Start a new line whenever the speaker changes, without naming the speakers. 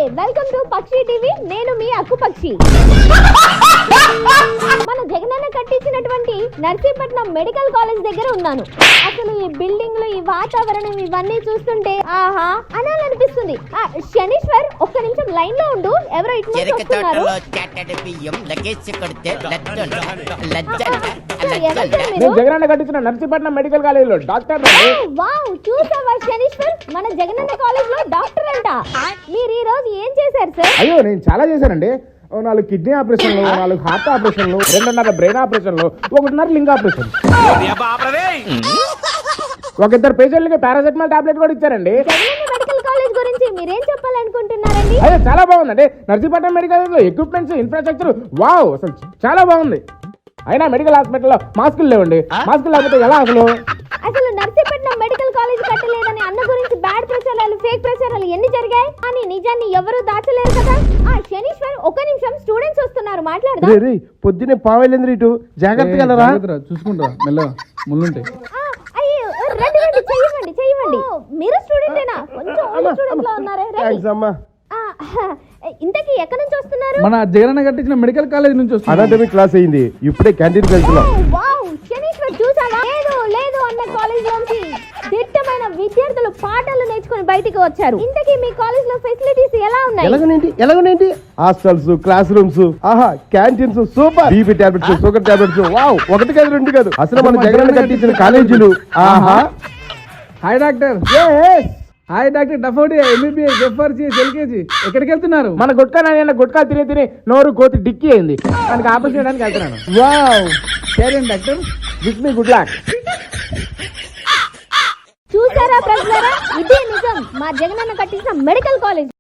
Welcome to పక్షి TV. నేను మీ అక్కు పక్షి. మన జగనన్న కట్టించినటువంటి నర్సీపట్నం మెడికల్ కాలేజ్ దగ్గర ఉన్నాను. అసలు ఈ బిల్డింగ్లు, ఈ వాతావరణం ఇవన్నీ చూస్తుంటే ఆహా అనాలనిపిస్తుంది. శనీశ్వర్ ఒక్క నిమిషం లైన్ లో ఉండు. ఎవరో ఇటు వస్తున్నారు.
జగనన్న కట్టించిన నర్సీపట్నం మెడికల్ కాలేజ్ లో డాక్టర్.
వావ్, చూసావా శనీశ్వర్, మన జగనన్న కాలేజ్ లో డాక్టర్ అంట. మీరు ఈ రోజు ఏం చేశారు సార్?
అయ్యో, నేను చాలా చేశానండి. 4 కిడ్నీ ఆపరేషన్లు, 4 హార్ట్ ఆపరేషన్లు, 2.5 బ్రెయిన్ ఆపరేషన్లు, 1.5 లింగ్ ఆపరేషన్. 2 పేషెంట్లకి పారాసెటమాల్ టాబ్లెట్ కూడా ఇచ్చారండి.
జగనన్న మెడికల్ కాలేజ్ గురించి మీరేం చెప్పాలనుకుంటున్నారండి?
అయ్యో, చాలా బాగుందండి. నర్సీపట్నం మెడికల్ కాలేజ్ లో ఎక్విప్మెంట్స్, ఇన్ఫ్రాస్ట్రక్చర్ వావ్, అసలు చాలా బాగుంది. అయినా మెడికల్ హాస్పిటల్లో మాస్కులు లేవండి. మాస్కులు లేకపోతే ఎలా అసలు
నర్సీపట్నం మెడికల్ కాలేజ్ కట్టలేదని అన్న గురించి బ్యాడ్ ప్రచారాలు, ఫేక్ ప్రచారాలు ఎన్ని జరిగాయి? కానీ నిజాన్ని ఎవరు దాచలేరు కదా. శనీశ్వర్ ఒక్క నిమిషం, స్టూడెంట్స్ వస్తున్నారు, మాట్లాడదాం.
పొద్దునే పావేలేంద్ర ఇటు జాగ్రత్తగా
చూసుకుంటా మెల్ల ముళ్ళుంటాయి.
అయ్యో, రండి చెయ్యండి. మీరు స్టూడెంటేనా? కొంచెం స్టూడెంట్ లో ఉన్నారే. ఇంతకీ ఎక్కడి నుంచి వస్తున్నారు?
మన జగనన్న కట్టించిన మెడికల్ కాలేజ్ నుంచి
అనాటమీ క్లాస్ అయింది, ఇప్పుడే క్యాంటీన్కి వెళ్తున్నాం.
శనీశ్వర్ చూసావా? లేదు అన్న కాలేజ్ నుంచి దిట్టమైన విద్యార్థులు పాఠాలు నేర్చుకుని బయటికి వచ్చారు. ఇంతకీ మీ కాలేజ్ లో ఫెసిలిటీస్ ఎలా ఉన్నాయి?
ఎలాగనేంటి హాస్టల్స్, క్లాస్ రూమ్స్, ఆహా canteens super. BP tablets, sugar tablets wow, 1 కాదు 2 కాదు. అసలు మన జగనన్న కట్టించిన కాలేజీలు ఆహా.
Hi doctor. హాయ్ డాక్టర్ డఫోడి, ఎంబీబీఎస్, ఎఫ్ఆర్సీఎస్, ఎల్కేజీ. ఎక్కడికి వెళ్తున్నారు?
మన గుట్కా తిని నోరు కోతి డిక్కి అయింది. దానికి ఆపరేషన్ చేయడానికి వెళ్తున్నాను.
వావ్, సరే doctor,
wish me good luck.
చూసారా ప్రజలారా, ఇదే నిజం. మా జగనన్న కట్టించిన మెడికల్ కాలేజ్.